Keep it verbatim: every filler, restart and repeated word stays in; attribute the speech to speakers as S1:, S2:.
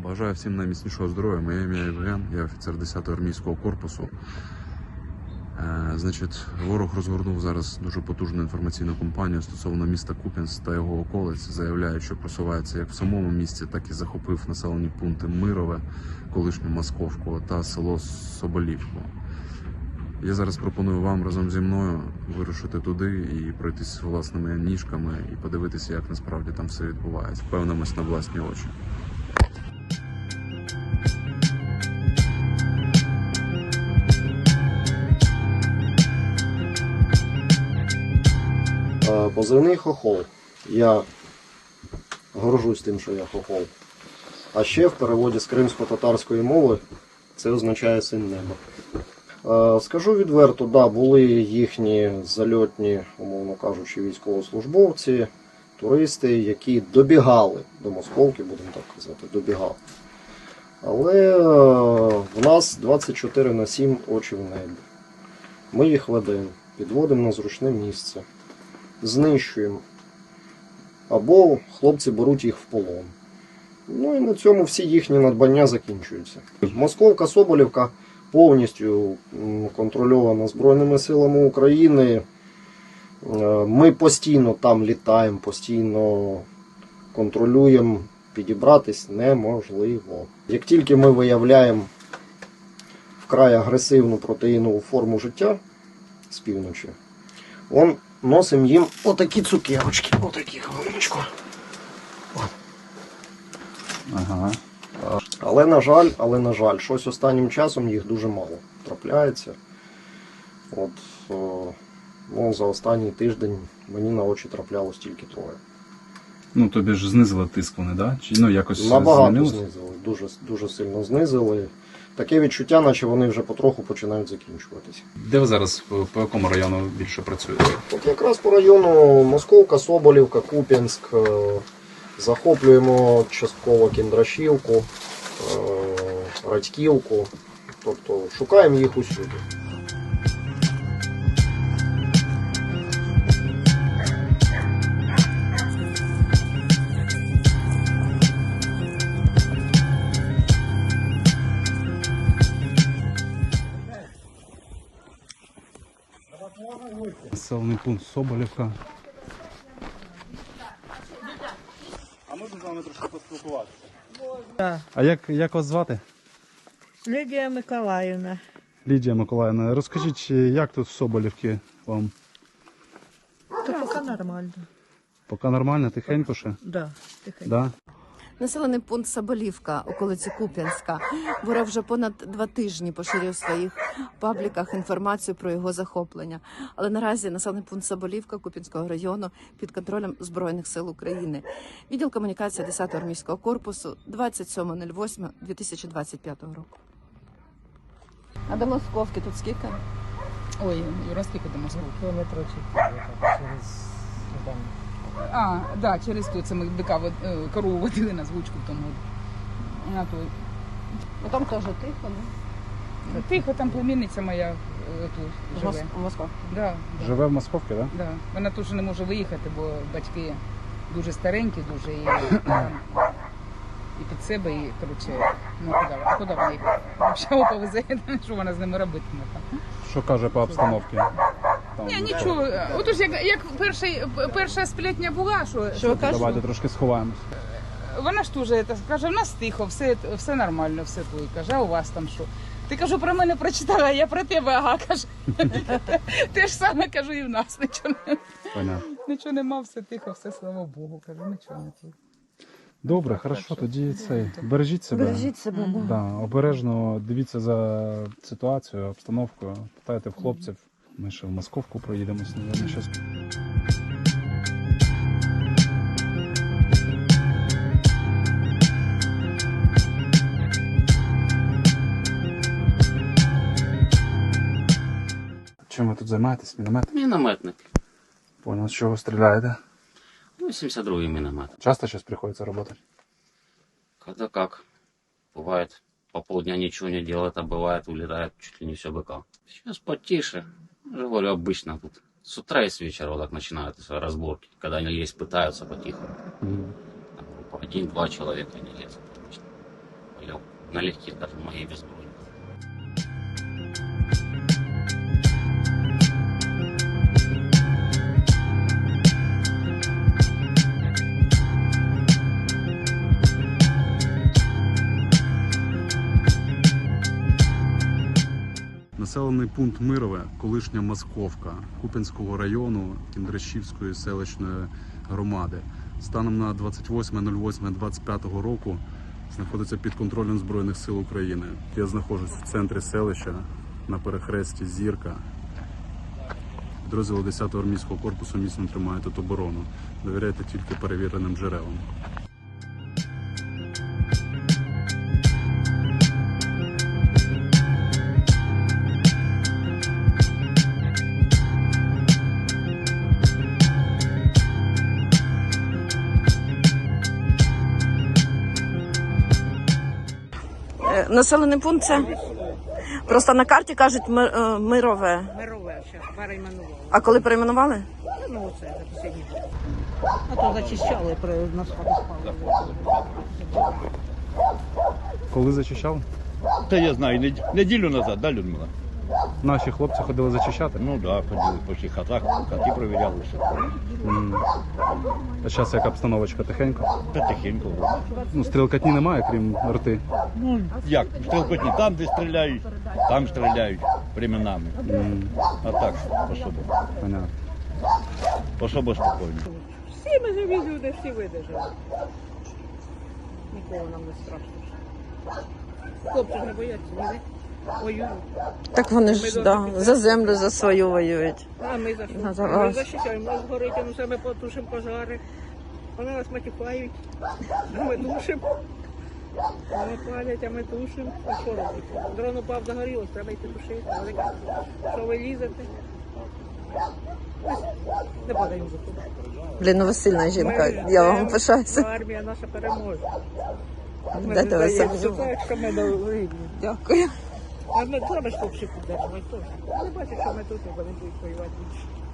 S1: Бажаю всім найміцнішого здоров'я. Моє ім'я Євген, я офіцер десятого армійського корпусу. Е, значить, ворог розгорнув зараз дуже потужну інформаційну кампанію стосовно міста Куп'янськ та його околиць. Заявляють, що просувається як в самому місті, так і захопив населені пункти Мирове, колишню Московку та село Соболівку. Я зараз пропоную вам разом зі мною вирушити туди і пройтись власними ніжками і подивитися, як насправді там все відбувається. Впевнимось на власні очі.
S2: Позивний хохол. Я горжусь тим, що я хохол. А ще в переводі з кримсько-татарської мови це означає син неба. Скажу відверто, да, були їхні зальотні, умовно кажучи, військовослужбовці, туристи, які добігали до Московки, будемо так казати, добігали. Але в нас двадцять чотири на сім очі в небі. Ми їх ведемо, підводимо на зручне місце, знищуємо. Або хлопці беруть їх в полон. Ну і на цьому всі їхні надбання закінчуються. Московка, Соболівка повністю контрольована Збройними силами України. Ми постійно там літаємо, постійно контролюємо. Підібратись неможливо. Як тільки ми виявляємо вкрай агресивну протеїнову форму життя з півночі, он носимо їм отакі цукерочки, отакі хвилиночку.
S1: Ага.
S2: Але на жаль, але на жаль, щось останнім часом їх дуже мало трапляється. От, о, ну, за останній тиждень мені на очі траплялось тільки троє.
S3: Ну, тобі ж знизили тиск вони, да? Чи ну, якось
S2: Набагато
S3: змінилось?
S2: знизили, дуже, дуже сильно знизили. Таке відчуття, наче вони вже потроху починають закінчуватися.
S3: Де ви зараз, по якому району більше працюєте?
S2: От якраз по району Московка, Соболівка, Куп'янськ, захоплюємо частково Кіндрашівку, Радьківку, тобто шукаємо їх усюди.
S3: Населений пункт Соболівка.
S4: А можна з вами трошки поспілкуватися?
S5: Да.
S3: А як, як вас звати?
S5: Лідія Миколаївна.
S3: Лідія Миколаївна. Розкажіть, як тут в Соболівці вам?
S5: Та поки нормально.
S3: Поки нормально, тихенько ще?
S5: Да, тихенько.
S3: Да?
S6: Населений пункт Соболівка, околиці Куп'янська. Ворог вже понад два тижні поширює в своїх пабліках інформацію про його захоплення. Але наразі населений пункт Соболівка Куп'янського району під контролем Збройних сил України. Відділ комунікації десятого армійського корпусу, двадцять сьоме восьме дві тисячі двадцять п'ятого року. А до Московки тут скільки?
S7: Ой, Юра, скільки до Москви?
S8: Кілометрів через там.
S7: А, да, через ту, це ми бика вод- е, корову водили на звучку в тому. А, то,
S6: Ну там теж тихо, не?
S7: тихо, там племінниця моя е, тут живе.
S6: В Москві.
S7: Да,
S3: Живе в Московці, так?
S7: да. Вона теж не може виїхати, бо батьки дуже старенькі, дуже і, там, і під себе, і, коротше, ну куди, куди вона їх взагалі повезе, що вона з ними робитиме там.
S3: Що каже по обстановці? Там,
S7: Ні, нічого. Отож, як, як перший, перша сплетня була, що,
S6: Що ви кажете?
S3: Давайте трошки сховаємось.
S7: вона ж теж це каже, в нас тихо, все, все нормально, все то. І каже, а у вас там що? Ти, кажу, про мене прочитала, а я про тебе, ага, каже. Те ж саме, кажу, і в нас нічого, не-
S3: Понятно.
S7: нічого нема, все тихо, все, слава Богу, кажу, нічого не тут.
S3: Добре, хорошо, тоді цей. Бережіть себе.
S5: Бережіть себе, да.
S3: Да, обережно дивіться за ситуацією, обстановкою, питайте в хлопців. Ми ще в Московку проїдемось, мабуть, щось. Чим ви тут займаєтесь? Міномет?
S9: Мінометник.
S3: Понял, з чого стріляєте?
S9: Ну, сімдесят другий міномет.
S3: Часто щось приходиться робити?
S9: Когда как. Бывает, по полдня ничего не делает, а бывает, улетает чуть ли не все быка. Сейчас потише. Я же говорю, обычно тут. С утра и с вечера вот так начинаются разборки. Когда они лезть пытаются потихоньку. Там группа один-два человека не лезут обычно. налегке даже моей безброй.
S1: Населений пункт Мирове, колишня Московка Куп'янського району Кіндрашівської селищної громади. Станом на двадцять восьме ноль восьме двадцять п'ятого року знаходиться під контролем Збройних сил України. Я знаходжусь в центрі селища на перехресті Зірка. Підрозділи десятого армійського корпусу міцно тримають тут оборону. Довіряйте тільки перевіреним джерелам.
S6: Населений пункт це? Просто на карті кажуть Ми- е, Мирове.
S10: Мирове, зараз перейменували.
S6: А коли перейменували?
S10: Ну, це за останні. А то зачищали при нас спали.
S3: Коли зачищали?
S11: Та я знаю, нед- неділю назад, да, Людмила?
S3: Наші хлопці ходили зачищати?
S11: Ну так, да, ходили по всіх хатах, хати провіряли все.
S3: М. А зараз яка обстановочка, тихенько?
S11: Та тихенько. вроде.
S3: Ну, стрілкатні немає, крім рти.
S11: Ну, як, стрілкотні там, де стріляють, там стріляють временами.
S3: М.
S11: А так, особо,
S3: Понятно.
S11: особо спокійно.
S10: Всі ми живі люди, всі видержали. Нікого нам не страшно. Хлопці ж не бояться, ні? Воюють.
S6: Так вони ж да, за землю за свою воюють.
S10: А ми за що?
S6: Ну, за
S10: Ми
S6: вас.
S10: захищаємо, нас горить, а ми себе потушимо пожари. Вони нас матюкають, а ми тушимо. Вони палять, а ми тушимо. А що робити? Дрон упав, загорілось, треба йти тушити. Вони кажуть, що ви лізете? Ось, не падаємо за туди.
S6: Блін, ну ви сильна жінка,
S10: Ми
S6: я вам
S10: ждемо,
S6: пишаюся.
S10: що армія наша переможе. Ми
S6: Дайте
S10: не
S6: ви
S10: здаємося,
S6: собі.
S10: так, що ми до рівні.
S6: Дякую.
S10: А ми треба ж хлопці підтримувати теж. Вони бачать, що ми тут, і вони будуть воювати більше.